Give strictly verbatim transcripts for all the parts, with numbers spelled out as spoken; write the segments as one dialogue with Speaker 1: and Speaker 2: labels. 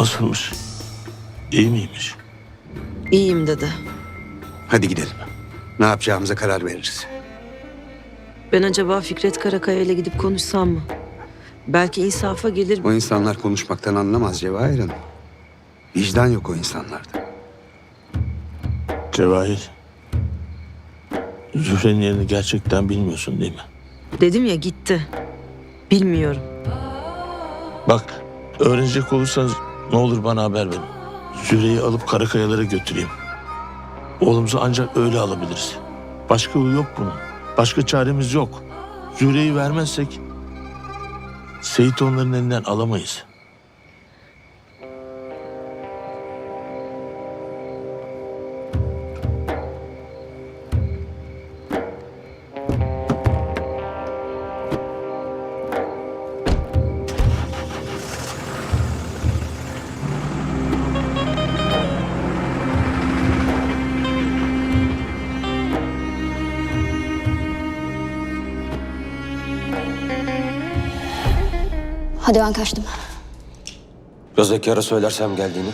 Speaker 1: Nasılmış? İyi miymiş?
Speaker 2: İyiyim dedi.
Speaker 3: Hadi gidelim. Ne yapacağımıza karar veririz.
Speaker 2: Ben acaba Fikret Karakaya ile gidip konuşsam mı? Belki insafa gelir.
Speaker 3: O insanlar konuşmaktan anlamaz Cevahir Hanım. Vicdan yok o insanlarda.
Speaker 1: Cevahir. Zühre'nin yerini gerçekten bilmiyorsun değil mi?
Speaker 2: Dedim ya, gitti. Bilmiyorum.
Speaker 1: Bak, öğrenecek olursanız ne olur bana haber verin. Zühre'yi alıp Karakayalara götüreyim. Oğlumuzu ancak öyle alabiliriz. Başka yolu yok bunun. Başka çaremiz yok. Zühre'yi vermezsek Seyit onların elinden alamayız.
Speaker 4: Hadi ben kaçtım.
Speaker 5: Gözdekara söylersem geldiğini.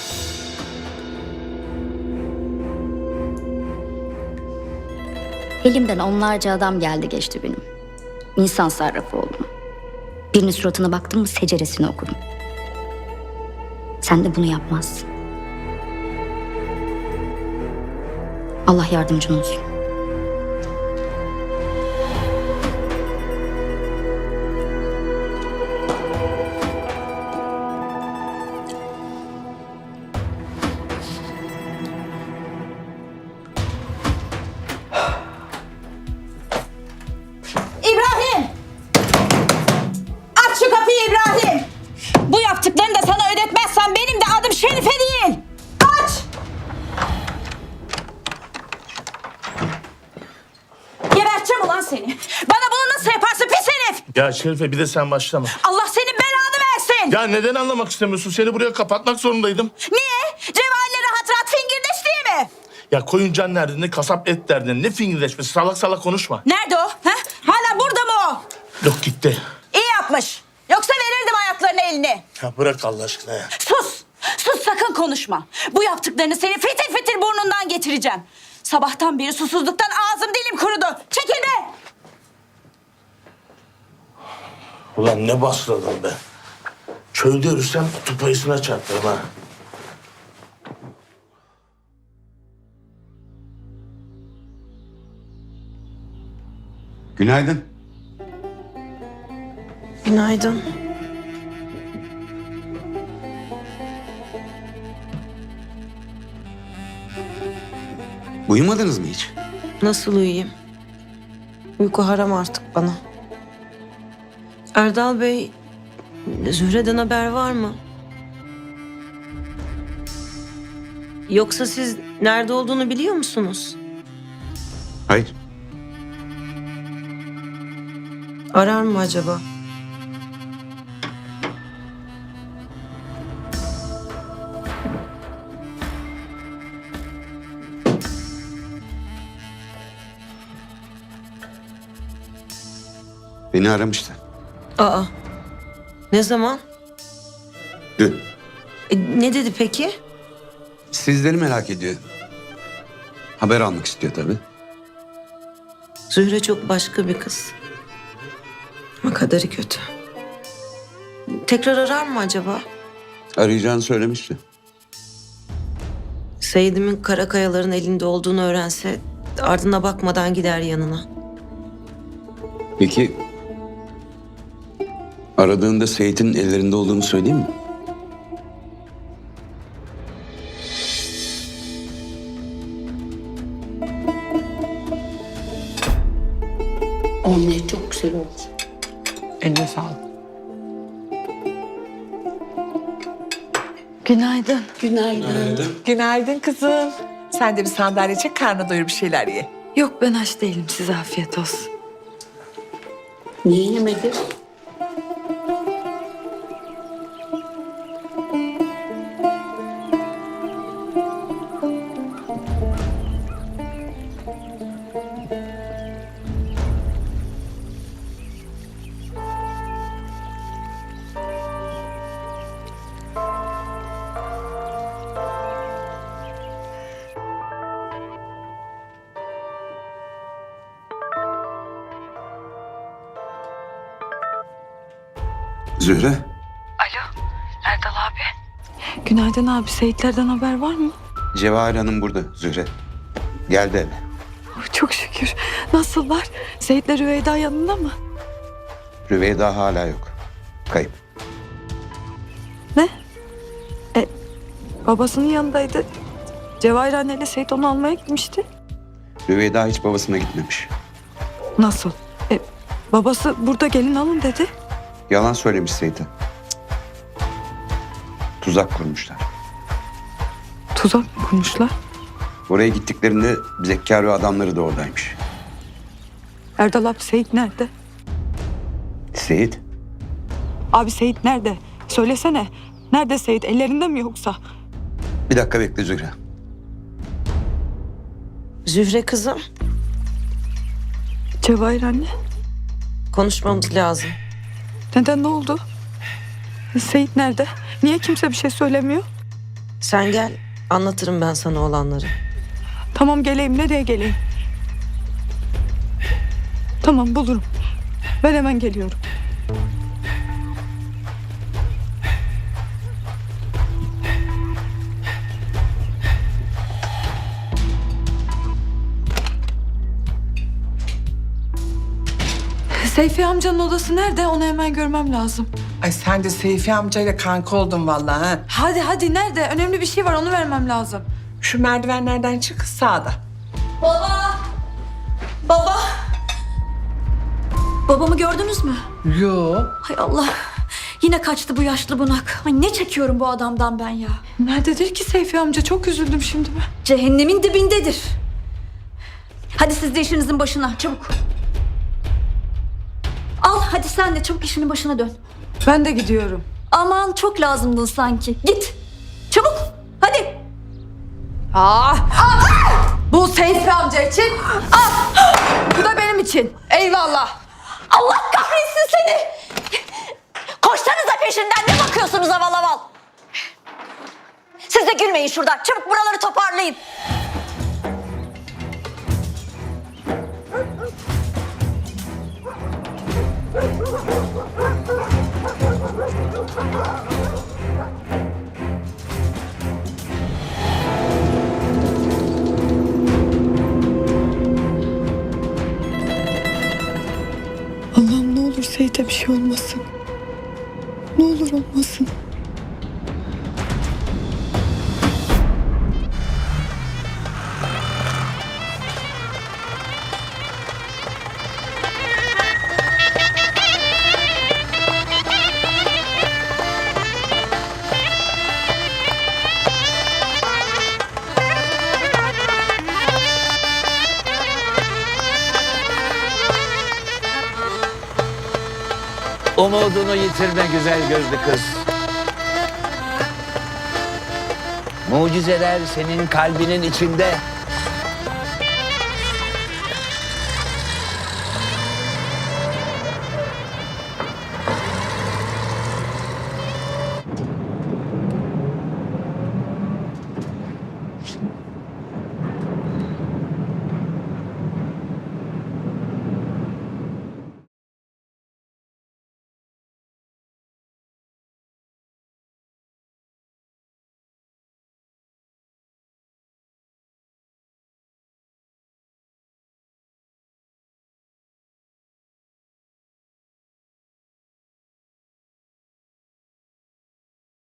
Speaker 4: Elimden onlarca adam geldi geçti benim. İnsan sarrafı oldum. Birinin suratına baktım mı seceresini okudum. Sen de bunu yapmazsın. Allah yardımcın olsun.
Speaker 6: İbrahim! Aç şu kapıyı İbrahim! Bu yaptıklarını da sana ödetmezsem benim de adım Şerife değil! Aç! Geberteceğim ulan seni! Bana bunu nasıl yaparsın pis herif!
Speaker 1: Ya Şerife, bir de sen başlama.
Speaker 6: Allah senin belanı versin!
Speaker 1: Ya neden anlamak istemiyorsun? Seni buraya kapatmak zorundaydım.
Speaker 6: Niye? Cevahir'le rahat rahat fingirdeş diye mi?
Speaker 1: Ya koyun can derdinde, kasap et derdinde. Ne fingirdeşmesi? Salak salak konuşma.
Speaker 6: Nerede o? Ha? Hala burada mı o?
Speaker 1: Yok, gitti.
Speaker 6: İyi yapmış. Yoksa verirdim ayaklarını eline.
Speaker 1: Ya bırak Allah aşkına ya.
Speaker 6: Sus! Sus, sakın konuşma. Bu yaptıklarını seni fitil fitil burnundan getireceğim. Sabahtan beri susuzluktan ağzım dilim kurudu. Çekil be!
Speaker 1: Ulan ne basladın be. Çölde yürüsem kutup ayısına çarptırım ha.
Speaker 3: Günaydın.
Speaker 2: Günaydın.
Speaker 3: Uyumadınız mı hiç?
Speaker 2: Nasıl uyuyayım? Uyku haram artık bana. Erdal Bey, Zühre'den haber var mı? Yoksa siz nerede olduğunu biliyor musunuz?
Speaker 3: Hayır.
Speaker 2: Arar mı acaba?
Speaker 3: Beni aramıştı.
Speaker 2: Aa, ne zaman?
Speaker 3: Dün.
Speaker 2: E, ne dedi peki?
Speaker 3: Sizleri merak ediyor. Haber almak istiyor tabii.
Speaker 2: Zühre çok başka bir kız. Ama kaderi kötü. Tekrar arar mı acaba?
Speaker 3: Arayacağını söylemişti.
Speaker 2: Seyid'imin Karakayaların elinde olduğunu öğrense ardına bakmadan gider yanına.
Speaker 3: Peki aradığında Seyit'in ellerinde olduğunu söyleyeyim mi?
Speaker 7: Omlet çok güzel oldu.
Speaker 8: Eline sağlık.
Speaker 7: Günaydın. Günaydın.
Speaker 8: Günaydın kızım. Sen de bir sandalye çek, karnına doyur bir şeyler ye.
Speaker 7: Yok ben aç değilim. Size afiyet olsun.
Speaker 9: Niye yemedin?
Speaker 3: Zühre,
Speaker 7: Erdal abi. Günaydın abi. Seyitlerden haber var mı?
Speaker 3: Cevahir Hanım burada Zühre. Geldi eve.
Speaker 7: Oh, çok şükür. Nasıllar? Seyitler Rüveyda yanında mı?
Speaker 3: Rüveyda hala yok. Kayıp.
Speaker 7: Ne? E, babasının yanındaydı. Cevahir anneyle Seyit onu almaya gitmişti.
Speaker 3: Rüveyda hiç babasına gitmemiş.
Speaker 7: Nasıl? E, babası burada gelin alın dedi.
Speaker 3: Yalan söylemiş Seyit'e. Tuzak kurmuşlar.
Speaker 7: Tuzak mı kurmuşlar?
Speaker 3: Oraya gittiklerinde Zekkar ve adamları da oradaymış.
Speaker 7: Erdal abi Seyit nerede?
Speaker 3: Seyit,
Speaker 7: Abi Seyit nerede? Söylesene. Nerede Seyit? Ellerinde mi yoksa?
Speaker 3: bir dakika bekle Zühre.
Speaker 2: Zühre kızım,
Speaker 7: Cevahir anne.
Speaker 2: konuşmamız lazım.
Speaker 7: Neden, ne oldu? Seyit nerede? Niye kimse bir şey söylemiyor?
Speaker 2: Sen gel, anlatırım ben sana olanları.
Speaker 7: Tamam geleyim. Nereye geleyim? Tamam bulurum. Ben hemen geliyorum. Seyfi amcanın odası nerede? Onu hemen görmem lazım.
Speaker 8: Ay sen de Seyfi amcayla kanka oldun vallahi ha.
Speaker 7: Hadi hadi nerede? Önemli bir şey var, onu vermem lazım.
Speaker 8: Şu merdivenlerden çık sağda.
Speaker 4: Baba! Baba! Babamı gördünüz mü?
Speaker 8: Yo.
Speaker 4: Hay Allah. Yine kaçtı bu yaşlı bunak. Ay ne çekiyorum bu adamdan ben ya.
Speaker 7: Nerededir ki Seyfi amca? Çok üzüldüm şimdi ben.
Speaker 4: Cehennemin dibindedir. Hadi siz de işinizin başına çabuk. Al hadi sen de çabuk işinin başına dön.
Speaker 7: Ben de gidiyorum.
Speaker 4: Aman çok lazımdın sanki. Git. Çabuk. Hadi.
Speaker 7: Ah! Bu Seyfi amca için. Ah! Bu da benim için. Eyvallah.
Speaker 6: Allah kahretsin seni. Koşsanıza peşinden, ne bakıyorsunuz aval aval? Siz de gülmeyin şuradan. Çabuk buraları toparlayın.
Speaker 7: Allah'ım ne olur Seyit'e bir şey olmasın. Ne olur olmasın.
Speaker 9: Umudunu yitirme güzel gözlü kız. Mucizeler senin kalbinin içinde.